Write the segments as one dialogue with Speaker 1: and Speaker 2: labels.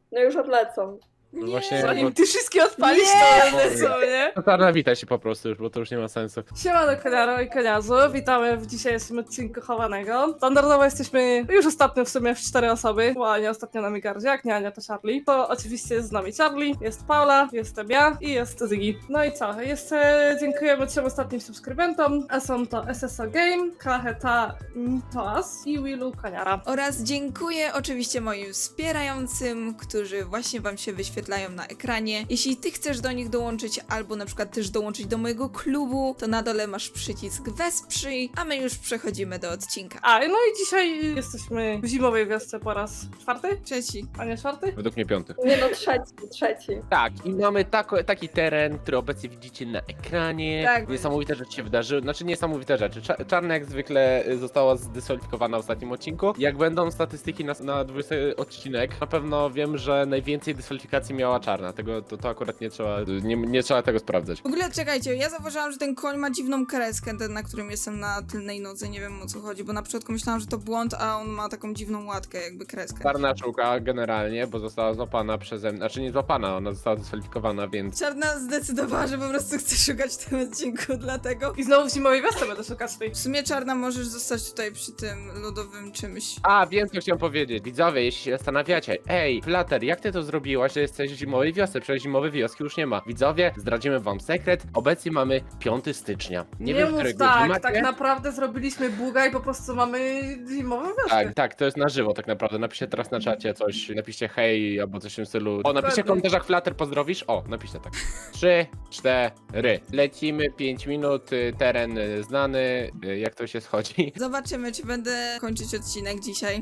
Speaker 1: No już odlecą.
Speaker 2: No
Speaker 3: Nie.
Speaker 2: właśnie,
Speaker 4: Zanim ty wszystkie odpalisz,
Speaker 3: Nie.
Speaker 4: to lecą, nie?
Speaker 2: no Czarna, witaj się po prostu już, bo to już nie ma sensu.
Speaker 4: Siemano Koniaro i Koniarzu, witamy w dzisiejszym odcinku Chowanego. Standardowo jesteśmy już ostatnio w sumie w 4 osoby, bo nie ostatnio na Migardzie, jak nie Ania to Charlie. To oczywiście jest z nami Charlie, jest Paula, jestem ja i jest Ziggy. No i co, dziękujemy 3 ostatnim subskrybentom, a są to SSO Game, Klacheta Mitoas i Willu Koniara.
Speaker 3: Oraz dziękuję oczywiście moim wspierającym, którzy właśnie wam się wyświetlają na ekranie. Jeśli ty chcesz do nich dołączyć, albo na przykład też dołączyć do mojego klubu, to na dole masz przycisk Wesprzyj, a my już przechodzimy do odcinka.
Speaker 4: A, no i dzisiaj jesteśmy w zimowej wiosce po raz 4?
Speaker 3: Trzeci.
Speaker 4: A nie 4?
Speaker 2: Według mnie 5.
Speaker 1: Nie no, trzeci.
Speaker 2: Tak, i mamy taki teren, który obecnie widzicie na ekranie.
Speaker 3: Tak.
Speaker 2: Niesamowite rzeczy się wydarzyły, znaczy niesamowite rzeczy. Czarna jak zwykle została zdyskwalifikowana w ostatnim odcinku. Jak będą statystyki na 20 odcinek, na pewno wiem, że najwięcej dyskwalifikacji miała Czarna. To akurat nie trzeba tego sprawdzać.
Speaker 3: W ogóle czekajcie, ja zauważyłam, że ten koń ma dziwną kreskę, ten na którym jestem na tylnej nodze, nie wiem o co chodzi, bo na początku myślałam, że to błąd, a on ma taką dziwną łatkę, jakby kreskę.
Speaker 2: Czarna szuka generalnie, bo została złapana przeze mnie, znaczy nie złapana, ona została dyskwalifikowana, więc...
Speaker 3: Czarna zdecydowała, że po prostu chce szukać w tym odcinku, dlatego...
Speaker 4: I znowu w zimowej wiosce będę szukać tej.
Speaker 3: W sumie Czarna możesz zostać tutaj przy tym lodowym czymś.
Speaker 2: A, wiem co chciałem powiedzieć. Widzowie, jeśli się zastanawiacie, ej, Flutter, jak ty to zrobiłaś, że jesteś w zimowej wiosce? Przecież zimowej wioski już nie ma. Widzowie, zdradzimy wam sekret. Obecnie mamy 5 stycznia. Nie wiem,
Speaker 4: mów
Speaker 2: którego
Speaker 4: tak,
Speaker 2: macie.
Speaker 4: tak naprawdę zrobiliśmy buga i po prostu mamy zimową wioskę.
Speaker 2: Tak, to jest na żywo tak naprawdę. Napiszcie teraz na czacie coś, napiszcie hej albo coś w tym stylu. O, napiszcie w komentarzach Flutter, pozdrowisz. O, napiszcie tak. 3, 4. Lecimy, 5 minut, teren znany, jak to się schodzi.
Speaker 3: Zobaczymy, czy będę kończyć odcinek dzisiaj.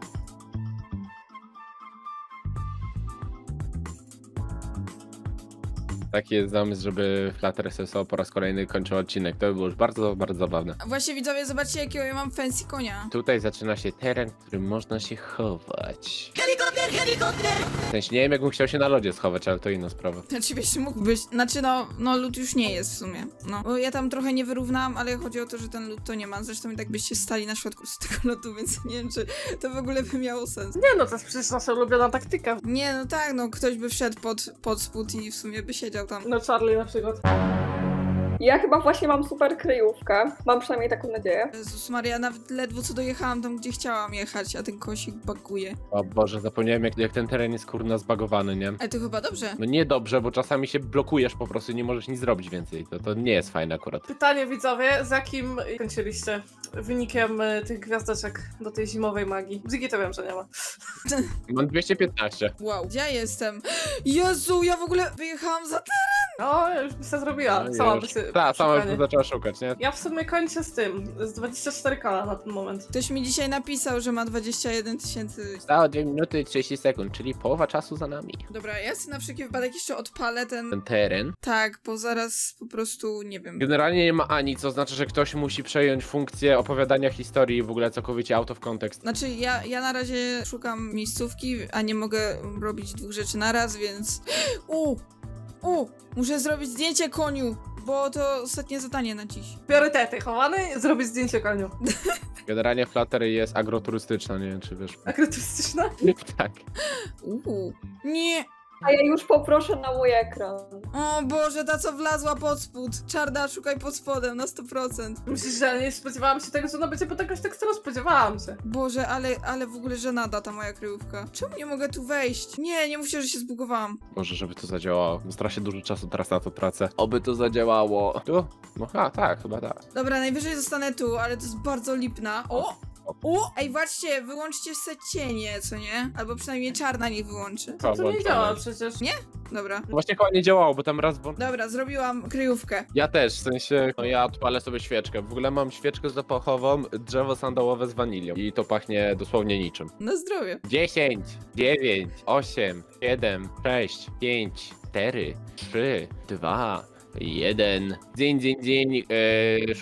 Speaker 2: Taki jest zamysł, żeby Flutter SSO po raz kolejny kończył odcinek. To by było już bardzo, bardzo zabawne.
Speaker 3: A właśnie widzowie, zobaczcie jakiego ja mam fancy konia.
Speaker 2: Tutaj zaczyna się teren, w którym można się chować. W sensie nie wiem, jakbym chciał się na lodzie schować, ale to inna sprawa.
Speaker 3: Oczywiście mógłbyś, znaczy no lód już nie jest w sumie. No, bo ja tam trochę nie wyrównałam, ale chodzi o to, że ten lód to nie ma. Zresztą i tak byście stali na środku z tego lodu, więc nie wiem, czy to w ogóle by miało sens.
Speaker 4: Nie no, to jest przecież nasza ulubiona taktyka.
Speaker 3: Nie, no tak, no ktoś by wszedł pod spód i w sumie by siedział tam.
Speaker 4: No Charlie na przykład.
Speaker 1: Ja chyba właśnie mam super kryjówkę. Mam przynajmniej taką nadzieję.
Speaker 3: Jezus Maria, nawet ledwo co dojechałam tam, gdzie chciałam jechać, a ten kosik baguje.
Speaker 2: O Boże, zapomniałem jak ten teren jest kurna zbagowany, nie?
Speaker 3: Ale to chyba dobrze.
Speaker 2: No niedobrze, bo czasami się blokujesz po prostu i nie możesz nic zrobić więcej. To nie jest fajne akurat.
Speaker 4: Pytanie widzowie, z jakim kończyliście wynikiem tych gwiazdeczek do tej zimowej magii? Ziggy to wiem, że nie ma.
Speaker 2: Mam 215.
Speaker 3: Wow, gdzie ja jestem? Jezu, ja w ogóle wyjechałam za
Speaker 4: No, ja już by się zrobiła. Sama by się
Speaker 2: Tak, sama
Speaker 4: szukanie.
Speaker 2: już zaczęła szukać, nie?
Speaker 4: Ja w sumie kończę z tym, z 24 kola na ten moment.
Speaker 3: Ktoś mi dzisiaj napisał, że ma 21 tysięcy.
Speaker 2: Zostało 2 minuty i 30 sekund, czyli połowa czasu za nami.
Speaker 3: Dobra, ja sobie na wszelki wypadek jeszcze odpalę ten...
Speaker 2: Ten teren.
Speaker 3: Tak, bo zaraz po prostu, nie wiem.
Speaker 2: Generalnie nie ma ani, co znaczy, że ktoś musi przejąć funkcję opowiadania historii w ogóle całkowicie out of context.
Speaker 3: Znaczy, ja na razie szukam miejscówki, a nie mogę robić 2 rzeczy naraz, więc... Muszę zrobić zdjęcie koniu, bo to ostatnie zadanie na dziś.
Speaker 4: Priorytety, chowany, zrobić zdjęcie koniu.
Speaker 2: Generalnie Flutter jest agroturystyczna, nie wiem czy wiesz.
Speaker 4: Akrotystyczna?
Speaker 2: Tak.
Speaker 3: Nie!
Speaker 1: A ja już poproszę na mój ekran.
Speaker 3: O Boże, ta co wlazła pod spód. Czarna, szukaj pod spodem na 100%.
Speaker 4: Myślisz, że nie spodziewałam się tego, że ona będzie pod jakąś teksturą? Spodziewałam się.
Speaker 3: Boże, ale w ogóle żenada ta moja kryjówka. Czemu nie mogę tu wejść? Nie mówcie, że się zbugowałam.
Speaker 2: Może, żeby to zadziałało. Strasznie dużo czasu teraz na to tracę. Oby to zadziałało. Tu? No tak, chyba tak.
Speaker 3: Dobra, najwyżej zostanę tu, ale to jest bardzo lipna. Ej, właśnie, wyłączcie se cienie, co nie? Albo przynajmniej Czarna niech wyłączy.
Speaker 4: To nie działa przecież.
Speaker 3: Nie? Dobra.
Speaker 2: Właśnie chyba nie działało, bo tam raz...
Speaker 3: Dobra, zrobiłam kryjówkę.
Speaker 2: Ja też, w sensie, no ja odpalę sobie świeczkę. W ogóle mam świeczkę zapachową, drzewo sandałowe z wanilią. I to pachnie dosłownie niczym.
Speaker 3: Na zdrowie.
Speaker 2: 10, 9, 8, 7, 6, 5, 4, 3, 2, 1. Dzień, szukaj.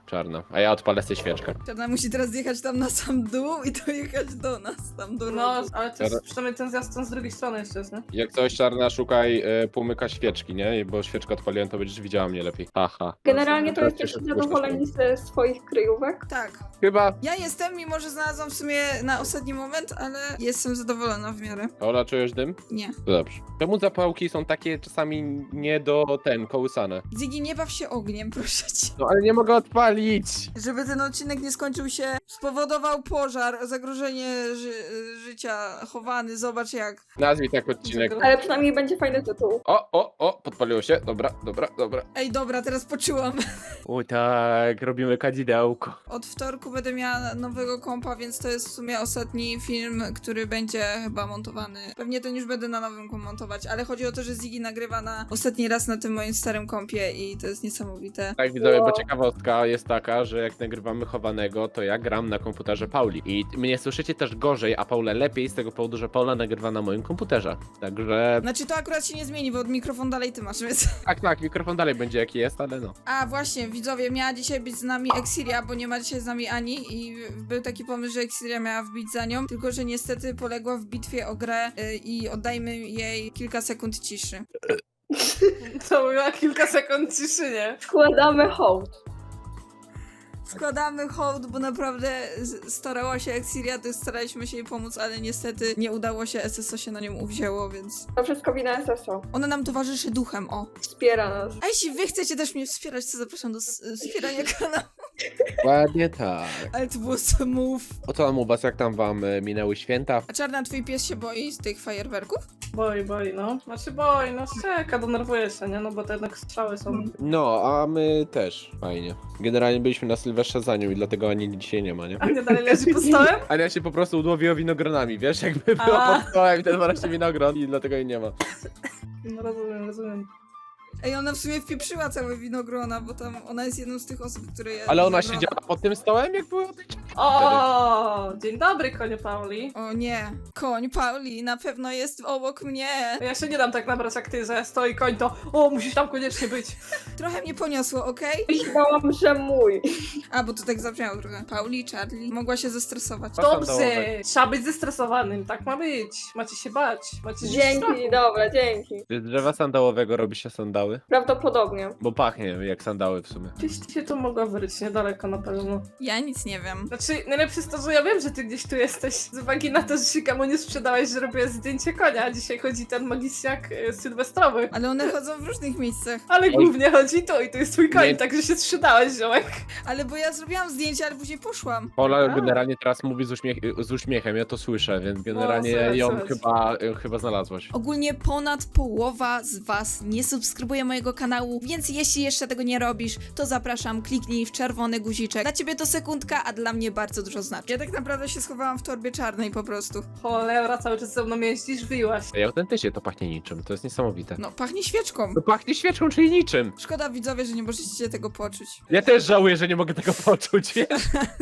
Speaker 2: czarna. A ja odpalę sobie świeczkę.
Speaker 3: Czarna musi teraz jechać tam na sam dół i dojechać do nas, tam do
Speaker 4: No,
Speaker 3: rogu.
Speaker 4: ale to jest przynajmniej ten zjazd tam z drugiej strony jeszcze jest, nie?
Speaker 2: Jak coś czarna, szukaj półmyka świeczki, nie? Bo świeczkę odpaliłem, to będziesz widziała mnie lepiej. Haha.
Speaker 1: Generalnie to
Speaker 2: Teraz
Speaker 1: jesteście
Speaker 2: się
Speaker 1: zadowoleni ze swoich kryjówek?
Speaker 3: Tak.
Speaker 2: Chyba.
Speaker 3: Ja jestem, mimo że znalazłam w sumie na ostatni moment, ale jestem zadowolona w miarę.
Speaker 2: Ola, czujesz dym?
Speaker 3: Nie.
Speaker 2: To dobrze. Czemu zapałki są takie czasami nie do kołysane?
Speaker 3: Ziggy, nie baw się ogniem, proszę cię.
Speaker 2: No ale nie mogę odpalić!
Speaker 3: Żeby ten odcinek nie skończył się, spowodował pożar, zagrożenie życia, chowany, zobacz jak.
Speaker 2: Nazwij tak odcinek.
Speaker 1: Ale przynajmniej będzie fajny tytuł.
Speaker 2: O, podpaliło się. Dobra.
Speaker 3: Ej, dobra, teraz poczułam.
Speaker 2: Oj tak, robimy kadzidełko.
Speaker 3: Od wtorku będę miała nowego kompa, więc to jest w sumie ostatni film, który będzie chyba montowany. Pewnie ten już będę na nowym montować, ale chodzi o to, że Ziggy nagrywa na ostatni raz na tym moim starym kompie i to jest niesamowite.
Speaker 2: Tak, widzowie, bo
Speaker 1: Wow.
Speaker 2: ciekawostka jest taka, że jak nagrywamy chowanego, to ja gram na komputerze Pauli. I mnie słyszycie też gorzej, a Paulę lepiej z tego powodu, że Paula nagrywa na moim komputerze. Także
Speaker 3: Znaczy to akurat się nie zmieni, bo mikrofon dalej ty masz, więc...
Speaker 2: tak, mikrofon dalej będzie jaki jest, ale no.
Speaker 3: A właśnie, widzowie, miała dzisiaj być z nami Exilia, bo nie ma dzisiaj z nami Ani i był taki pomysł, że Exilia miała wbić za nią, tylko że niestety poległa w bitwie o grę i oddajmy jej kilka sekund ciszy.
Speaker 4: To była kilka sekund ciszy, nie?
Speaker 1: Składamy hołd.
Speaker 3: Składamy hołd, bo naprawdę starała się Exilia, to staraliśmy się jej pomóc, ale niestety nie udało się, SSO się na nią uwzięło, więc...
Speaker 1: To wszystko wina SSO.
Speaker 3: Ona nam towarzyszy duchem, o.
Speaker 1: Wspiera nas.
Speaker 3: A jeśli wy chcecie też mnie wspierać, to zapraszam do wspierania kanału.
Speaker 2: Ładnie tak.
Speaker 3: Ale to było smooth.
Speaker 2: O co tam u was, jak tam wam minęły święta?
Speaker 3: A Czarna, twój pies się boi z tych fajerwerków?
Speaker 4: Boi, no. Znaczy boi, no czeka, denerwuje się, nie? No bo to jednak strzały są.
Speaker 2: No, a my też. Fajnie. Generalnie byliśmy na Sylwestrze za nią i dlatego Ani dzisiaj nie ma, nie?
Speaker 4: A nie dalej leży pod stołem?
Speaker 2: Ania się po prostu udłowiła winogronami, wiesz? Jakby
Speaker 4: A.
Speaker 2: była pod stołem i ten właśnie winogron i dlatego jej nie ma.
Speaker 4: No rozumiem.
Speaker 3: Ej, ona w sumie wpieprzyła całe winogrona, bo tam ona jest jedną z tych osób, które je
Speaker 2: Ale ona
Speaker 3: winogrona.
Speaker 2: siedziała pod tym stołem, jak były odejście?
Speaker 4: O, dzień dobry, konie Pauli.
Speaker 3: O nie, koń Pauli na pewno jest obok mnie.
Speaker 4: Ja się nie dam tak nabrać jak ty, że stoi koń, to o, musisz tam koniecznie być.
Speaker 3: Trochę mnie poniosło, okej?
Speaker 1: Myślałam, że mój.
Speaker 3: A, bo to tak zabrzmiało trochę. Pauli, Charlie, mogła się zestresować.
Speaker 4: Dobrze, trzeba być zestresowanym, tak ma być. Macie się bać, macie żyć w strachu.
Speaker 1: Dzięki, dobra, dzięki.
Speaker 2: Z drzewa sandałowego robi się sandały?
Speaker 1: Prawdopodobnie.
Speaker 2: Bo pachnie jak sandały w sumie.
Speaker 4: Gdzieś ty się to mogła wyryć, niedaleko na pewno.
Speaker 3: Ja nic nie wiem.
Speaker 4: Znaczy, najlepsze jest to, że ja wiem, że ty gdzieś tu jesteś. Z uwagi na to, że się komu nie sprzedałeś, że robię zdjęcie konia, a dzisiaj chodzi ten magisiak sylwestrowy.
Speaker 3: Ale one chodzą w różnych miejscach.
Speaker 4: Ale głównie chodzi to i to jest twój koń,
Speaker 2: Nie.
Speaker 4: także się sprzedałeś, ziomek.
Speaker 3: Ale bo ja zrobiłam zdjęcie, ale później poszłam.
Speaker 2: Pola
Speaker 4: A.
Speaker 2: generalnie teraz mówi z uśmiechem, ja to słyszę, więc generalnie
Speaker 4: słychać,
Speaker 2: ją
Speaker 4: słychać.
Speaker 2: chyba znalazłaś.
Speaker 3: Ogólnie ponad połowa z was nie subskrybuje mojego kanału, więc jeśli jeszcze tego nie robisz, to zapraszam, kliknij w czerwony guziczek. Dla ciebie to sekundka, a dla mnie bardzo dużo znaczy. Ja tak naprawdę się schowałam w torbie czarnej po prostu.
Speaker 4: Cholera, cały czas ze mną jeździsz, wyjłaś.
Speaker 2: Ej, autentycznie to pachnie niczym, to jest niesamowite.
Speaker 3: No, pachnie świeczką.
Speaker 2: To pachnie świeczką, czyli niczym.
Speaker 3: Szkoda widzowie, że nie możecie tego poczuć.
Speaker 2: Ja też żałuję, że nie mogę tego poczuć, wiesz?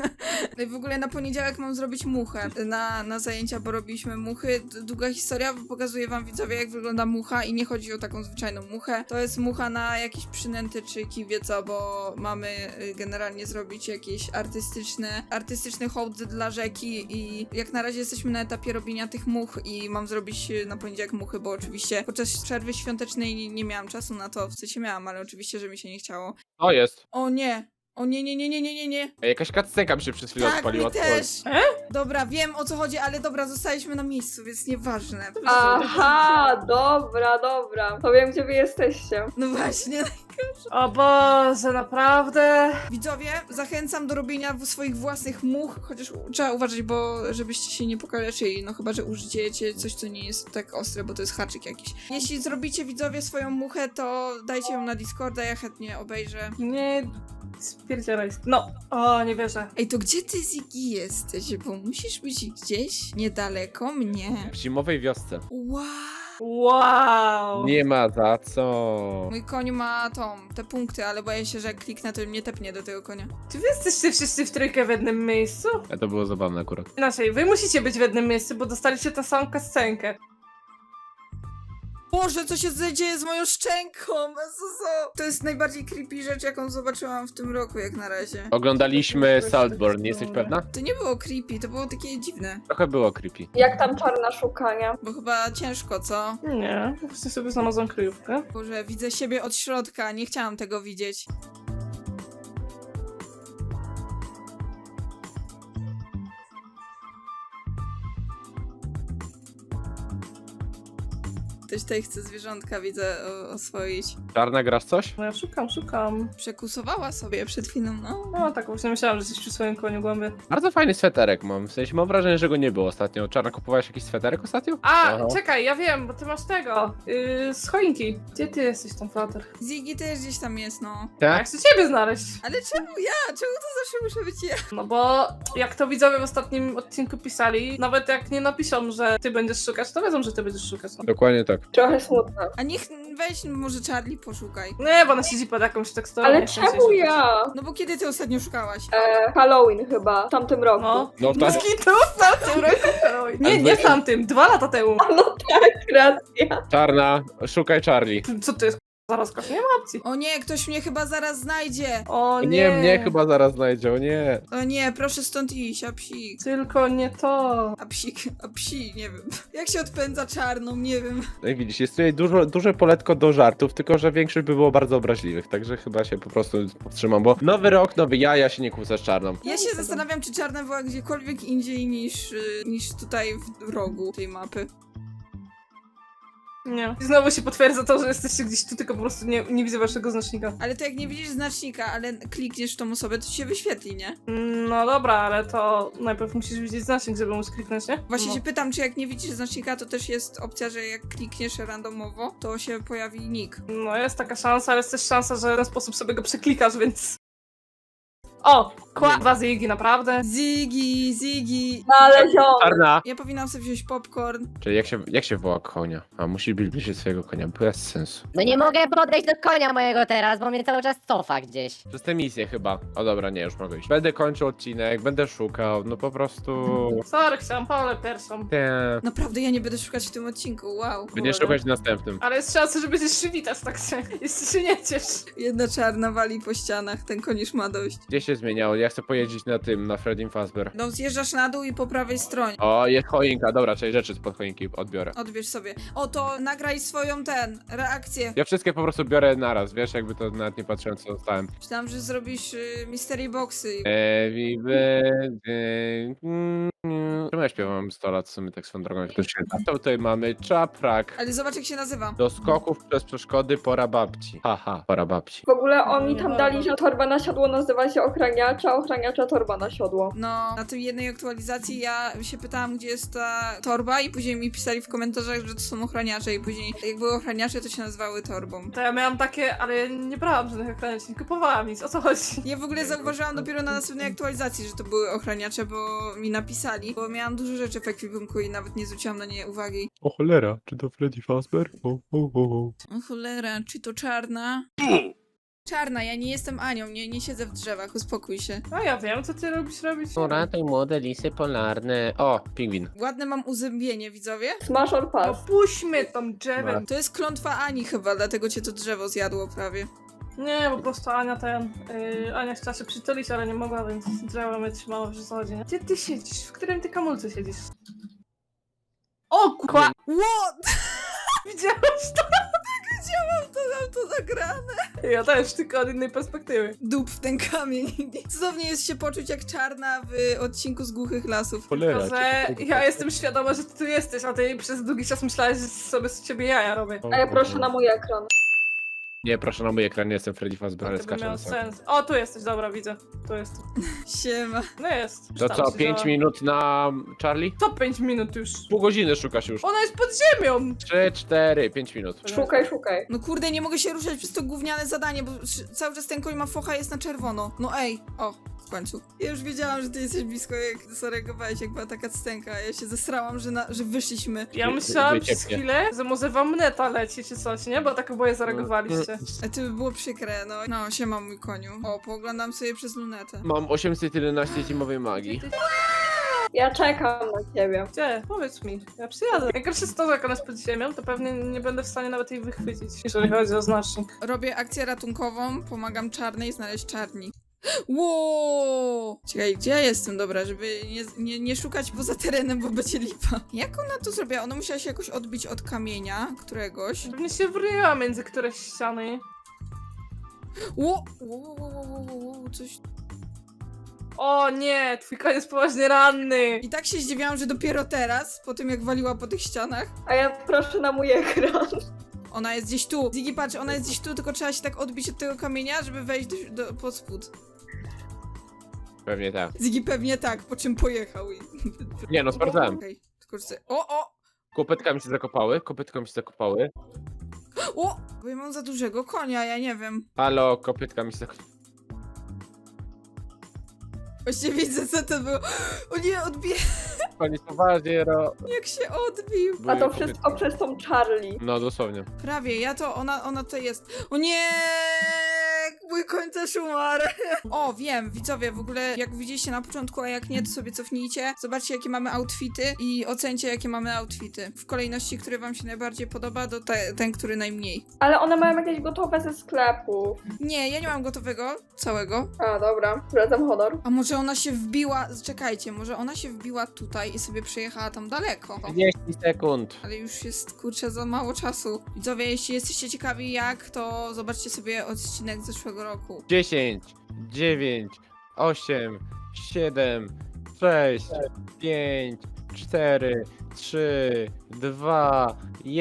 Speaker 3: W ogóle na poniedziałek mam zrobić muchę na zajęcia, bo robiliśmy muchy. Długa historia, bo pokazuję wam widzowie, jak wygląda mucha i nie chodzi o taką zwyczajną muchę. To jest mucha na jakieś przynęty czy kiwie, co, bo mamy generalnie zrobić jakieś artystyczny hołd dla rzeki i jak na razie jesteśmy na etapie robienia tych much i mam zrobić na poniedziałek muchy, bo oczywiście podczas przerwy świątecznej nie miałam czasu na to, w sensie miałam, ale oczywiście, że mi się nie chciało.
Speaker 2: To jest.
Speaker 3: O nie! O nie.
Speaker 2: Ej, jakaś cutscenka mi się przez chwilę
Speaker 3: Tak,
Speaker 2: odpaliła.
Speaker 3: mi też! Dobra, wiem o co chodzi, ale dobra, zostaliśmy na miejscu, więc nieważne.
Speaker 1: Aha, dobra. To wiem, gdzie wy jesteście.
Speaker 3: No właśnie.
Speaker 4: O Boże, naprawdę?
Speaker 3: Widzowie, zachęcam do robienia swoich własnych much, chociaż trzeba uważać, bo żebyście się nie pokaleczyli, no chyba, że użyjecie coś, co nie jest tak ostre, bo to jest haczyk jakiś. Jeśli zrobicie, widzowie, swoją muchę, to dajcie ją na Discorda, ja chętnie obejrzę.
Speaker 4: Nie, spierdzielaj. No, o, nie wierzę.
Speaker 3: Ej, to gdzie ty, Ziggy, jesteś? Bo musisz być gdzieś niedaleko mnie.
Speaker 2: W zimowej wiosce.
Speaker 3: Wow.
Speaker 4: Wow.
Speaker 2: Nie ma za co.
Speaker 3: Mój koń ma te punkty, ale boję się, że jak kliknę, to mnie tepnie do tego konia.
Speaker 4: Czy wy jesteście wszyscy w trójkę w jednym miejscu?
Speaker 2: A to było zabawne akurat.
Speaker 4: Inaczej, wy musicie być w jednym miejscu, bo dostaliście tę samą kascenkę.
Speaker 3: Boże, co się dzieje z moją szczęką? To jest najbardziej creepy rzecz, jaką zobaczyłam w tym roku, jak na razie.
Speaker 2: Oglądaliśmy Saltborn, nie jesteś pewna?
Speaker 3: To nie było creepy, to było takie dziwne.
Speaker 2: Trochę było creepy.
Speaker 1: Jak tam czarna szukania?
Speaker 3: Bo chyba ciężko, co?
Speaker 4: Nie, właśnie sobie znalazłam kryjówkę.
Speaker 3: Boże, widzę siebie od środka, nie chciałam tego widzieć. Ktoś tutaj chce zwierzątka, widzę, oswoić.
Speaker 2: Czarna, grasz coś?
Speaker 4: No ja szukam.
Speaker 3: Przekusowała sobie przed chwilą, no.
Speaker 4: No tak, właśnie myślałam, że jesteś przy swoim koniu głębi.
Speaker 2: Bardzo fajny sweterek mam, w sensie mam wrażenie, że go nie było ostatnio. Czarna, kupowałeś jakiś sweterek ostatnio?
Speaker 4: A,
Speaker 2: Aha.
Speaker 4: czekaj, ja wiem, bo ty masz tego, z choinki. Gdzie ty jesteś tam, Flutter?
Speaker 3: Ziggy też gdzieś tam jest, no.
Speaker 4: A
Speaker 2: Tak?
Speaker 4: jak chcę ciebie znaleźć?
Speaker 3: Ale czemu ja? Czemu to zawsze muszę być ja?
Speaker 4: No bo jak to widzowie w ostatnim odcinku pisali, nawet jak nie napiszą, że ty będziesz szukać, to wiedzą, że ty będziesz szukać. No.
Speaker 2: Dokładnie tak.
Speaker 1: Trochę smutne.
Speaker 3: A niech weź może Charlie poszukaj.
Speaker 4: Nie, bo ona siedzi pod jakąś teksturą.
Speaker 1: Ale
Speaker 4: nie chce
Speaker 1: czemu
Speaker 4: się
Speaker 1: ja?
Speaker 3: No bo kiedy ty ostatnio szukałaś?
Speaker 1: Halloween chyba, w tamtym roku.
Speaker 4: No.
Speaker 2: No tak.
Speaker 4: Skitu w tamtym roku. Nie w tamtym, 2 lata temu.
Speaker 1: No tak, racja.
Speaker 2: Czarna, szukaj Charlie.
Speaker 4: Co to jest zaraz nie ma opcji.
Speaker 3: O nie, ktoś mnie chyba zaraz znajdzie.
Speaker 4: O nie.
Speaker 2: Nie, mnie chyba zaraz znajdzie, o nie.
Speaker 3: O nie, proszę stąd iść, a psik.
Speaker 4: Tylko nie to.
Speaker 3: A psi, nie wiem. Jak się odpędza czarną, nie wiem.
Speaker 2: No i widzisz, jest tutaj duże poletko do żartów, tylko że większość by było bardzo obraźliwych, także chyba się po prostu powstrzymam, bo nowy rok, nowy ja się nie kłócę z Czarną.
Speaker 3: Ja się zastanawiam, czy czarna była gdziekolwiek indziej niż tutaj w rogu tej mapy.
Speaker 4: Nie. I znowu się potwierdza to, że jesteście gdzieś tu, tylko po prostu nie widzę waszego znacznika.
Speaker 3: Ale to jak nie widzisz znacznika, ale klikniesz w tą osobę, to ci się wyświetli, nie?
Speaker 4: No dobra, ale to najpierw musisz widzieć znacznik, żeby móc kliknąć, nie?
Speaker 3: Właśnie
Speaker 4: No.
Speaker 3: się pytam, czy jak nie widzisz znacznika, to też jest opcja, że jak klikniesz randomowo, to się pojawi nick.
Speaker 4: No jest taka szansa, ale jest też szansa, że w ten sposób sobie go przeklikasz, więc... O! Kładwa Ziggy, naprawdę?
Speaker 3: Ziggy!
Speaker 1: Znaleziony.
Speaker 2: Czarna!
Speaker 3: Ja powinnam sobie wziąć popcorn.
Speaker 2: Czyli jak się woła konia? A musi być bliżej swojego konia, bez sensu.
Speaker 5: No nie mogę podejść do konia mojego teraz, bo mnie cały czas cofa gdzieś.
Speaker 2: Przez tę misję chyba. O dobra, nie, już mogę iść. Będę kończył odcinek, będę szukał, no po prostu...
Speaker 4: Sorry, chciałam Paulę pierwszą.
Speaker 2: Nie.
Speaker 3: Naprawdę, ja nie będę szukać w tym odcinku, wow.
Speaker 2: Będziesz szukać w następnym.
Speaker 4: Ale jest szansa, że będziesz się witać, tak się, jeśli się nie ciesz.
Speaker 3: Jedna czarna wali po ścianach, ten koń już ma dość.
Speaker 2: Gdzie się zmieniało? Ja chcę pojeździć na Freddie Fazbear.
Speaker 3: No zjeżdżasz na dół i po prawej stronie.
Speaker 2: O, jest choinka, dobra, czyli rzeczy spod choinki odbiorę.
Speaker 3: Odbierz sobie. O, to nagraj swoją reakcję.
Speaker 2: Ja wszystkie po prostu biorę naraz, wiesz, jakby to nawet nie patrzyłem co dostałem.
Speaker 3: Myślałam, że zrobisz mystery boxy.
Speaker 2: Happy birthday. Czemu ja śpiewam 100 lat w sumie tak swoją drogą, jak to święta? To tutaj mamy czaprak.
Speaker 3: Ale zobacz, jak się nazywa.
Speaker 2: Do skoków przez przeszkody pora babci. Haha, pora babci.
Speaker 1: W ogóle oni tam dali, że torba na siodło nazywa się ochraniacza, ochraniacza torba na siodło.
Speaker 3: No, na tej jednej aktualizacji ja się pytałam, gdzie jest ta torba i później mi pisali w komentarzach, że to są ochraniacze i później jak były ochraniacze, to się nazywały torbą.
Speaker 4: To ja miałam takie, ale ja nie brałam żadnych ochraniaczy, nie kupowałam nic, o co chodzi?
Speaker 3: Ja w ogóle zauważyłam dopiero na następnej aktualizacji, że to były ochraniacze, bo mi napisali, bo miałam dużo rzeczy w ekwipunku i nawet nie zwróciłam na nie uwagi.
Speaker 2: O cholera, czy to Freddy Fazbear?
Speaker 3: O cholera, czy to czarna? Czarna, ja nie jestem Anią, nie siedzę w drzewach, uspokój się.
Speaker 4: No ja wiem, co ty lubisz robić.
Speaker 2: Ratuj młode lisy polarne. O, pingwin.
Speaker 3: Ładne mam uzębienie, widzowie?
Speaker 1: Smash or
Speaker 4: No
Speaker 1: pass.
Speaker 4: puśćmy tą drzewem.
Speaker 3: To jest klątwa Ani chyba, dlatego cię to drzewo zjadło prawie.
Speaker 4: Nie, po prostu Ania Ania chciała się przytulić, ale nie mogła, więc drzewo mnie trzymało w zasadzie. Gdzie ty siedzisz? W którym ty kamulce siedzisz? O kła!
Speaker 3: What?
Speaker 4: Widziałeś to?
Speaker 3: Widziałam to, mam to nagrane.
Speaker 4: Ja też, tylko od innej perspektywy.
Speaker 3: Dup w ten kamień. Cudownie jest się poczuć jak czarna w odcinku z Głuchych Lasów.
Speaker 2: Cholera.
Speaker 4: Tylko, że ja jestem świadoma, że ty tu jesteś, a ty przez długi czas myślałaś, że sobie z ciebie jaja robię.
Speaker 1: A ja proszę na mój ekran.
Speaker 2: Nie, proszę na mój ekran, nie jestem Freddy Fazbear, ale
Speaker 4: To by
Speaker 2: skaczę
Speaker 4: miało
Speaker 2: na sam.
Speaker 4: sens. O, tu jesteś, dobra, widzę. Tu jest.
Speaker 3: Siema.
Speaker 4: No jest.
Speaker 2: To
Speaker 4: Tam
Speaker 2: co,
Speaker 4: się
Speaker 2: 5
Speaker 4: działa.
Speaker 2: minut na Charlie?
Speaker 4: To 5 minut już.
Speaker 2: Pół godziny szukasz już.
Speaker 4: Ona jest pod ziemią!
Speaker 2: 3, 4, 5 minut.
Speaker 1: Szukaj, szukaj.
Speaker 3: No kurde, nie mogę się ruszać przez to gówniane zadanie, bo cały czas ten koń ma focha, jest na czerwono. No ej, o, w końcu. Ja już wiedziałam, że ty jesteś blisko, jak zareagowałeś, jak była taka scenka. Ja się zesrałam, że wyszliśmy.
Speaker 4: Ja myślałam przez
Speaker 2: Wyciepnie.
Speaker 4: chwilę, że może wam neta leci czy coś, nie? Bo tak oboje zareagowaliście.
Speaker 3: A to by było przykre, no. No, siema mój koniu. O, pooglądam sobie przez lunetę.
Speaker 2: Mam 811 zimowej magii.
Speaker 1: Ja czekam na ciebie.
Speaker 4: Gdzie? Powiedz mi. Ja przyjadę. Jak gorsze jest to, że jak ona jest pod ziemią, to pewnie nie będę w stanie nawet jej wychwycić, jeżeli chodzi o znacznik.
Speaker 3: Robię akcję ratunkową, pomagam czarnej znaleźć czarni. Wow! Czekaj, gdzie ja jestem? Dobra, żeby nie szukać poza terenem, bo będzie lipa. Jak ona to zrobiła? Ona musiała się jakoś odbić od kamienia któregoś.
Speaker 4: Pewnie się wryła między któreś ściany.
Speaker 3: Coś...
Speaker 4: O nie, twój koń jest poważnie ranny.
Speaker 3: I tak się zdziwiłam, że dopiero teraz, po tym jak waliła po tych ścianach,
Speaker 1: A ja proszę na mój ekran.
Speaker 3: ona jest gdzieś tu. Ziggy, patrz, ona jest gdzieś tu, tylko trzeba się tak odbić od tego kamienia, żeby wejść pod spód.
Speaker 2: Pewnie tak.
Speaker 3: Ziggy pewnie tak, po czym pojechał.
Speaker 2: Nie no, sprawdzałem.
Speaker 3: Okej, tylko że... O!
Speaker 2: Kopytka mi się zakopały,
Speaker 3: O! Bo ja mam za dużego konia, ja nie wiem.
Speaker 2: Halo, kopytka mi się zakopały.
Speaker 3: Właściwie widzę, co to było. O nie, odbije...
Speaker 2: Koniec poważnie,
Speaker 3: Jak się odbił.
Speaker 1: A to wszystko przez tą Charlie.
Speaker 2: No dosłownie.
Speaker 3: Prawie, ona to jest. O nie! Mój koń też umarł. O, wiem, widzowie, w ogóle jak widzieliście na początku, a jak nie, to sobie cofnijcie. Zobaczcie, jakie mamy outfity i ocencie, jakie mamy outfity. W kolejności, który wam się najbardziej podoba, do ten, który najmniej.
Speaker 1: Ale one mają jakieś gotowe ze sklepu.
Speaker 3: Nie, ja nie mam gotowego, całego.
Speaker 1: A, dobra. Zwracam honor.
Speaker 3: A może ona się wbiła, czekajcie, może ona się wbiła tutaj i sobie przejechała tam daleko.
Speaker 2: 30 sekund.
Speaker 3: Ale już jest, kurczę, za mało czasu. Widzowie, jeśli jesteście ciekawi jak, to zobaczcie sobie odcinek z zeszłego roku.
Speaker 2: 10, 9, 8, 7, 6, 5, 4, 3, 2,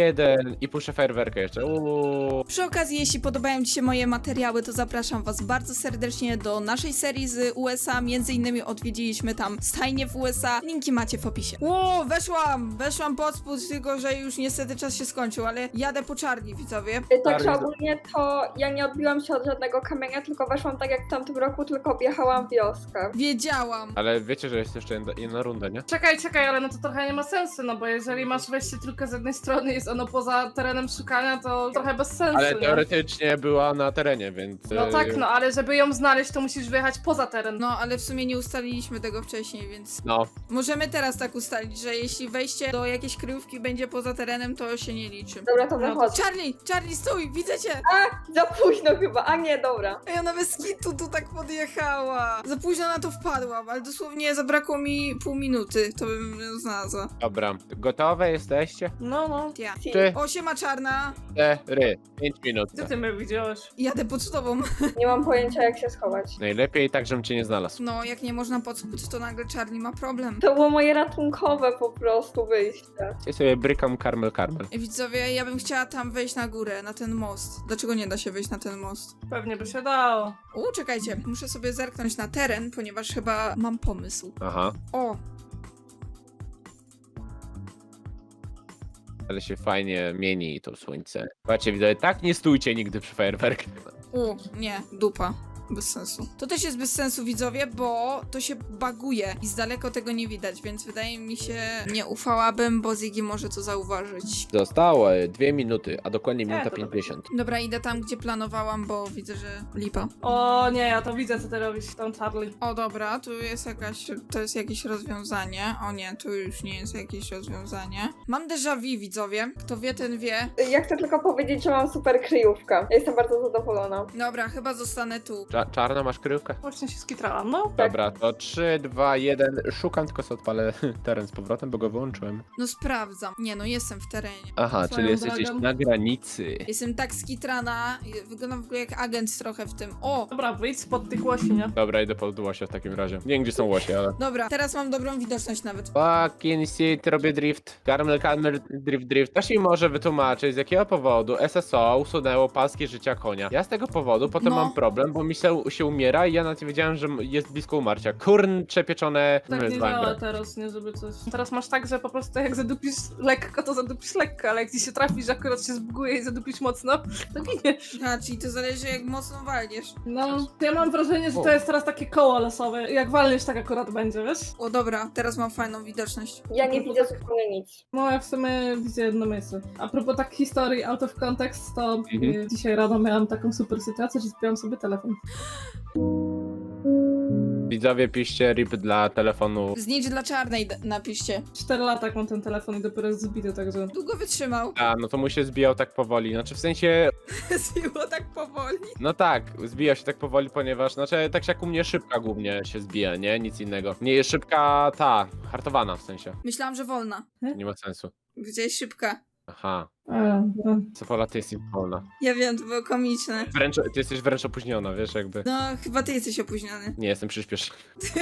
Speaker 2: 1 i puszczę fajerwerkę jeszcze.
Speaker 3: Przy okazji, jeśli podobają Ci się moje materiały, to zapraszam Was bardzo serdecznie do naszej serii z USA. Między innymi odwiedziliśmy tam stajnie w USA. Linki macie w opisie. Ło, weszłam pod spód, tylko że już niestety czas się skończył, ale jadę po Charlie, widzowie.
Speaker 1: Tak,
Speaker 2: Charlie-
Speaker 1: ogólnie to ja nie odbiłam się od żadnego kamienia, tylko weszłam tak jak w tamtym roku, tylko objechałam wioskę.
Speaker 3: Wiedziałam.
Speaker 2: Ale wiecie, że jest jeszcze jedna runda, nie?
Speaker 4: Czekaj, ale no to trochę nie ma sensu, no bo jeżeli masz wejście tylko z jednej strony, jest ono poza terenem szukania, to trochę bez sensu,
Speaker 2: Ale
Speaker 4: nie?
Speaker 2: teoretycznie była na terenie, więc...
Speaker 4: No tak, no ale żeby ją znaleźć, to musisz wyjechać poza teren.
Speaker 3: No, ale w sumie nie ustaliliśmy tego wcześniej, więc
Speaker 2: No,
Speaker 3: możemy teraz tak ustalić, że jeśli wejście do jakiejś kryjówki będzie poza terenem, to się nie liczy.
Speaker 1: Dobra, to
Speaker 4: No to
Speaker 1: wychodzę.
Speaker 3: Charlie, stój, widzę cię!
Speaker 1: Za późno chyba, a nie, dobra.
Speaker 3: Ej, ona bez kitu tu tak podjechała. Za późno na to wpadłam, ale dosłownie zabrakło mi pół minuty, to bym ją znalazła.
Speaker 2: dobra. Gotowe jesteście?
Speaker 4: No.
Speaker 3: Ja.
Speaker 1: Si.
Speaker 2: Czy-
Speaker 3: O, siema czarna.
Speaker 2: 4, 5 minut.
Speaker 4: Gdzie ty mnie widziałeś?
Speaker 3: Jadę pod tobą.
Speaker 1: Nie mam pojęcia jak się schować.
Speaker 2: Najlepiej tak, żebym cię nie znalazł.
Speaker 3: No, jak nie można pod spód, to nagle Charlie ma problem.
Speaker 1: To było moje ratunkowe po prostu wyjście.
Speaker 2: Ja sobie brykam karmel.
Speaker 3: Widzowie, ja bym chciała tam wejść na górę, na ten most. Dlaczego nie da się wejść na ten most?
Speaker 4: Pewnie by się dało.
Speaker 3: Czekajcie, muszę sobie zerknąć na teren, ponieważ chyba mam pomysł.
Speaker 2: Aha.
Speaker 3: O,
Speaker 2: Ale się fajnie mieni to słońce. Patrzcie, widać, tak nie stójcie nigdy przy fajerwerkach.
Speaker 3: nie, dupa. Bez sensu. To też jest bez sensu, widzowie, bo to się baguje i z daleko tego nie widać, więc wydaje mi się, nie ufałabym, bo Ziggy może to zauważyć.
Speaker 2: Zostało 2 minuty, a dokładnie minuta
Speaker 4: to
Speaker 2: 50.
Speaker 3: Dobra, idę tam, gdzie planowałam, bo widzę, że lipa.
Speaker 4: O nie, ja to widzę, co ty robisz, tam Charlie.
Speaker 3: O, dobra, to jest jakieś rozwiązanie. O nie, tu już nie jest jakieś rozwiązanie. Mam déjà vu, widzowie. Kto wie, ten wie.
Speaker 1: Ja chcę tylko powiedzieć, że mam super kryjówkę. Ja jestem bardzo zadowolona.
Speaker 3: Dobra, chyba zostanę tu.
Speaker 2: Czarna masz kryjówkę?
Speaker 4: Właśnie się skitrałam, no.
Speaker 2: Dobra, to 3, 2, 1. Szukam, tylko sobie odpalę teren z powrotem, bo go wyłączyłem.
Speaker 3: No sprawdzam. Nie, no jestem w terenie.
Speaker 2: Aha,
Speaker 4: Swoją
Speaker 2: czyli jesteś
Speaker 4: drogą.
Speaker 2: gdzieś na granicy.
Speaker 3: Jestem tak skitrana, wyglądam w ogóle jak agent trochę w tym. O!
Speaker 4: Dobra, wyjdź spod tych łosi, nie?
Speaker 2: Dobra, idę pod łosia w takim razie. Nie wiem, gdzie są łosie, ale...
Speaker 3: Dobra, teraz mam dobrą widoczność nawet.
Speaker 2: Fucking shit, robię drift. Karmel, drift. Ktoś mi może wytłumaczyć, z jakiego powodu SSO usunęło paski życia konia. Ja z tego powodu potem
Speaker 3: No.
Speaker 2: mam problem, bo mi się umiera i ja nawet nie wiedziałem, że jest blisko umarcia. Kurcze pieczone...
Speaker 4: Tak nie
Speaker 2: z
Speaker 4: działa
Speaker 2: węglem.
Speaker 4: teraz, nie żeby coś. Teraz masz tak, że po prostu jak zadupisz lekko, to zadupisz lekko, ale jak ci się trafisz, że akurat się zbuguje i zadupisz mocno, to giniesz.
Speaker 3: A, czyli to zależy jak mocno walniesz.
Speaker 4: No, to ja mam wrażenie, że to jest teraz takie koło losowe. Jak walniesz, tak akurat będzie, wiesz?
Speaker 3: O, dobra, teraz mam fajną widoczność.
Speaker 1: Ja nie widzę zupełnie nic.
Speaker 4: No, ja w sumie widzę jedno miejsce. A propos tak historii out of context, to
Speaker 2: Mhm.
Speaker 4: dzisiaj rano miałam taką super sytuację, że zbiłam sobie telefon.
Speaker 2: Widzowie, piszcie RIP dla telefonu.
Speaker 3: Znicz dla czarnej napiszcie.
Speaker 4: 4 lata jak mam ten telefon i dopiero jest zbity, także...
Speaker 3: Długo wytrzymał.
Speaker 2: A, no to mu się zbijał tak powoli. Znaczy w sensie,
Speaker 3: Zbiło tak powoli.
Speaker 2: no tak, zbijał się tak powoli, ponieważ, znaczy tak jak u mnie szybka głównie się zbija, nie? Nic innego. Nie jest szybka ta, hartowana w sensie.
Speaker 3: Myślałam, że wolna.
Speaker 2: Nie ma sensu.
Speaker 3: Gdzieś szybka.
Speaker 2: Aha,
Speaker 4: Dobra.
Speaker 2: Sofola, ty jesteś wolna.
Speaker 3: Ja wiem, to było komiczne.
Speaker 2: Wręcz, ty jesteś wręcz opóźniona, wiesz, jakby.
Speaker 3: No, chyba ty jesteś opóźniony.
Speaker 2: Nie, jestem przyspieszony.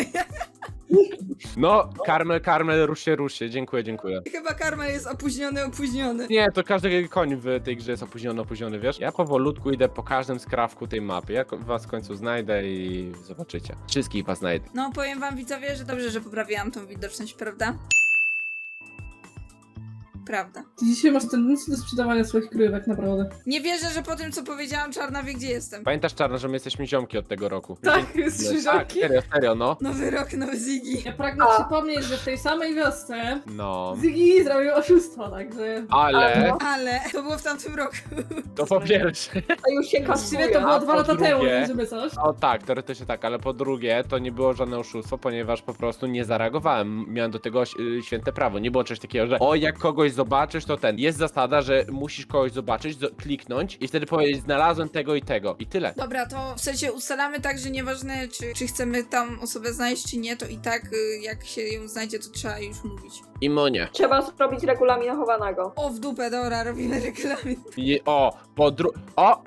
Speaker 2: No, Karmel, rusz się, dziękuję.
Speaker 3: Chyba Karmel jest opóźniony.
Speaker 2: Nie, to każdy koń w tej grze jest opóźniony, wiesz? Ja powolutku idę po każdym skrawku tej mapy. Ja was w końcu znajdę i zobaczycie. Wszystkich was znajdę.
Speaker 3: No, powiem wam widzowie, że dobrze, że poprawiłam tą widoczność, prawda? Prawda.
Speaker 4: Ty dzisiaj masz tendencję do sprzedawania swoich kryjówek, naprawdę.
Speaker 3: Nie wierzę, że po tym, co powiedziałam, Czarna wie, gdzie jestem.
Speaker 2: Pamiętasz, Czarna, że my jesteśmy ziomki od tego roku?
Speaker 4: Tak, jesteśmy
Speaker 2: Tak,
Speaker 4: ziomki.
Speaker 2: serio, no.
Speaker 3: Nowy rok, nowy Ziggy.
Speaker 4: Ja pragnę przypomnieć, że w tej samej wiosce
Speaker 2: No.
Speaker 4: Ziggy zrobił oszustwo, także...
Speaker 2: Ale
Speaker 3: Ale to było w tamtym roku.
Speaker 2: to po pierwsze.
Speaker 1: A już się
Speaker 4: Właściwie
Speaker 1: kasuje.
Speaker 4: to było
Speaker 2: A
Speaker 4: 2
Speaker 2: po
Speaker 4: lata temu,
Speaker 2: drugie-
Speaker 4: żeby coś.
Speaker 2: O tak, teoretycznie tak, ale po drugie to nie było żadne oszustwo, ponieważ po prostu nie zareagowałem. Miałem do tego święte prawo. Nie było czegoś takiego, że o, jak kogoś zobaczysz, to ten. Jest zasada, że musisz kogoś zobaczyć, kliknąć i wtedy powiedzieć, znalazłem tego i tego. I tyle.
Speaker 3: Dobra, to w sensie ustalamy tak, że nieważne, czy chcemy tam osobę znaleźć, czy nie, to i tak jak się ją znajdzie, to trzeba już mówić.
Speaker 2: I monie.
Speaker 1: Trzeba zrobić regulamin chowanego.
Speaker 3: O, w dupę, dobra, robimy regulamin.
Speaker 2: I o, o!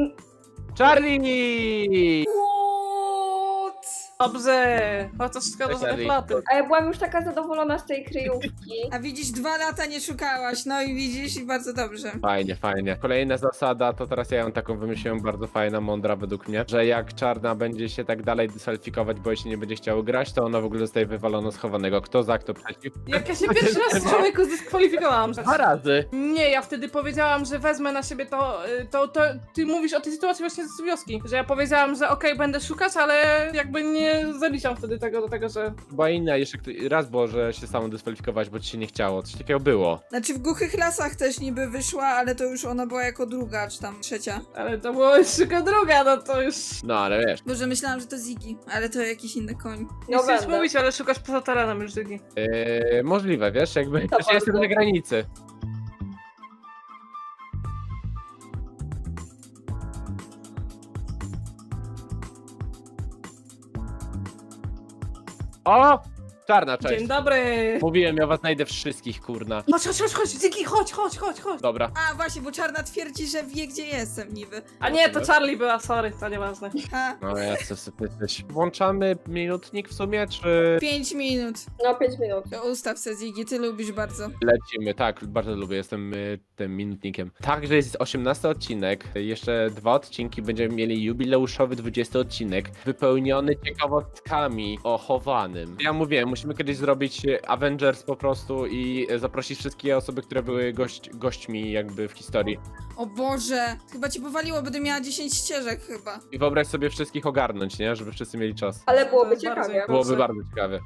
Speaker 2: Charlie!
Speaker 3: What?
Speaker 4: Dobrze, chociaż szkoda, że
Speaker 2: Czekaj.
Speaker 4: nie platy.
Speaker 1: A ja byłam już taka zadowolona z tej kryjówki.
Speaker 3: A widzisz, 2 lata nie szukałaś, no i widzisz, i bardzo dobrze.
Speaker 2: Fajnie. Kolejna zasada, to teraz ja ją taką wymyśliłem, bardzo fajna, mądra według mnie, że jak Czarna będzie się tak dalej dyskwalifikować, bo jej się nie będzie chciało grać, to ona w ogóle zostaje wywalona schowanego. Kto za, kto przeciw?
Speaker 4: Jak ja się pierwszy raz z człowieku zdyskwalifikowałam. Że...
Speaker 2: 2 razy!
Speaker 4: Nie, ja wtedy powiedziałam, że wezmę na siebie to ty mówisz o tej sytuacji właśnie z wioski. Że ja powiedziałam, że okej, będę szukać, ale jakby nie zaliczam wtedy tego do tego, że...
Speaker 2: Była inna, jeszcze raz było, że się samą dyskwalifikować, bo ci się nie chciało. Coś takiego było.
Speaker 3: Znaczy w Głuchych Lasach też niby wyszła, ale to już ona była jako druga, czy tam trzecia.
Speaker 4: Ale to było już tylko druga, no to już...
Speaker 2: No, ale wiesz.
Speaker 3: Boże, myślałam, że to Ziggy, ale to jakiś inny koń.
Speaker 4: Nie
Speaker 1: No
Speaker 4: chcesz
Speaker 1: będę.
Speaker 4: mówić, ale szukasz poza terenem już Zygi.
Speaker 2: Możliwe, wiesz, jakby.
Speaker 1: To
Speaker 2: Też ja jestem
Speaker 1: bardzo.
Speaker 2: na granicy. O! Czarna, cześć.
Speaker 4: Dzień dobry!
Speaker 2: Mówiłem, ja was znajdę wszystkich, kurna.
Speaker 4: Chodź, Zygi, chodź.
Speaker 2: Dobra.
Speaker 3: A, właśnie, bo Czarna twierdzi, że wie, gdzie jestem niby.
Speaker 4: A nie, to Charlie była, sorry, to nieważne.
Speaker 3: Ha,
Speaker 2: No ja co sobie jesteś. Włączamy minutnik w sumie, czy
Speaker 3: 5 minut.
Speaker 1: No 5 minut.
Speaker 3: To ustaw se, Ziggy, ty lubisz bardzo.
Speaker 2: lecimy? Tak, bardzo lubię, jestem tym minutnikiem. Także jest 18 odcinek, jeszcze 2 odcinki, będziemy mieli jubileuszowy 20 odcinek, wypełniony ciekawostkami o chowanym. Ja mówiłem, musimy kiedyś zrobić Avengers po prostu i zaprosić wszystkie osoby, które były gośćmi jakby w historii.
Speaker 3: O Boże, chyba cię powaliło, będę miała 10 ścieżek chyba.
Speaker 2: I wyobraź sobie wszystkich ogarnąć, nie? Żeby wszyscy mieli czas.
Speaker 1: Ale byłoby
Speaker 4: Bardzo
Speaker 1: ciekawie.
Speaker 2: Byłoby bardzo ciekawe.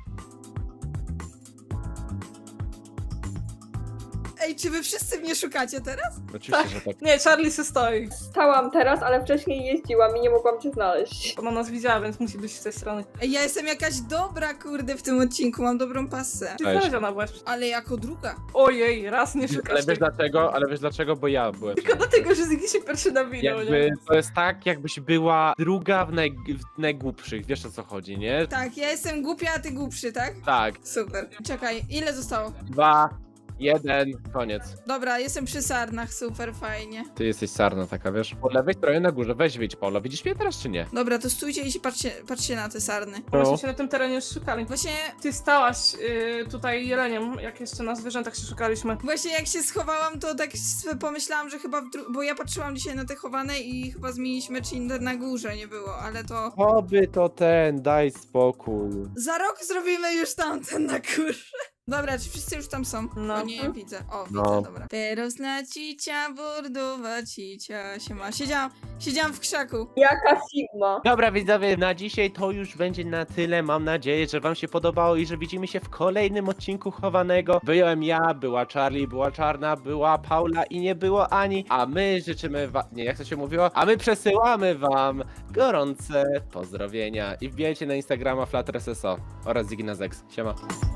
Speaker 3: Ej, czy wy wszyscy mnie szukacie teraz?
Speaker 2: Oczywiście, że tak.
Speaker 4: Nie, Charlie se stoi.
Speaker 1: Stałam teraz, ale wcześniej jeździłam i nie mogłam cię znaleźć.
Speaker 4: Ona nas widziała, więc musi być z tej strony.
Speaker 3: Ej, ja jestem jakaś dobra, kurde, w tym odcinku, mam dobrą pasę.
Speaker 4: Ty
Speaker 2: Cześć.
Speaker 4: znaleziona byłaś.
Speaker 3: Ale jako druga.
Speaker 4: Ojej, raz nie
Speaker 2: Ale
Speaker 4: szukasz.
Speaker 2: wiesz dlaczego? Ale wiesz dlaczego? Bo ja byłem.
Speaker 4: Tylko dlatego, że Zygi się pierwszy nawinął,
Speaker 2: Jakby
Speaker 4: nie?
Speaker 2: to jest tak, jakbyś była druga w najgłupszych, wiesz o co chodzi, nie?
Speaker 3: Tak, ja jestem głupia, a ty głupszy, tak?
Speaker 2: Tak.
Speaker 3: Super. Czekaj, ile zostało?
Speaker 2: 2, 1, koniec.
Speaker 3: Dobra, jestem przy sarnach, super, fajnie.
Speaker 2: Ty jesteś sarna taka, wiesz? Po lewej stronie na górze, weź wyjdź, Paula. Widzisz mnie teraz czy nie?
Speaker 3: Dobra, to stójcie i się patrzcie na te sarny.
Speaker 4: Myśmy się na tym terenie już szukali.
Speaker 3: Właśnie
Speaker 4: Ty stałaś tutaj jeleniem, jak jeszcze na zwierzętach się szukaliśmy.
Speaker 3: jak się schowałam, to tak sobie pomyślałam, że chyba bo ja patrzyłam dzisiaj na te chowane i chyba zmieniliśmy Cinder na górze, nie było, ale to...
Speaker 2: Oby to daj spokój.
Speaker 3: Za rok zrobimy już tamten na górze. Dobra, czy wszyscy już tam są?
Speaker 4: No.
Speaker 3: O nie, widzę. O, widzę,
Speaker 2: No.
Speaker 3: dobra. Teraz na cicia, bordowa cicia, siema. Siedziałam w krzaku.
Speaker 1: Jaka Sigma.
Speaker 2: Dobra widzowie, na dzisiaj to już będzie na tyle. Mam nadzieję, że wam się podobało i że widzimy się w kolejnym odcinku chowanego. Byłem ja, była Charlie, była Czarna, była Paula i nie było Ani. A my życzymy wam... Nie, jak to się mówiło? A my przesyłamy wam gorące pozdrowienia i wbijajcie na Instagrama FlutterSSO oraz Zignazex. Siema.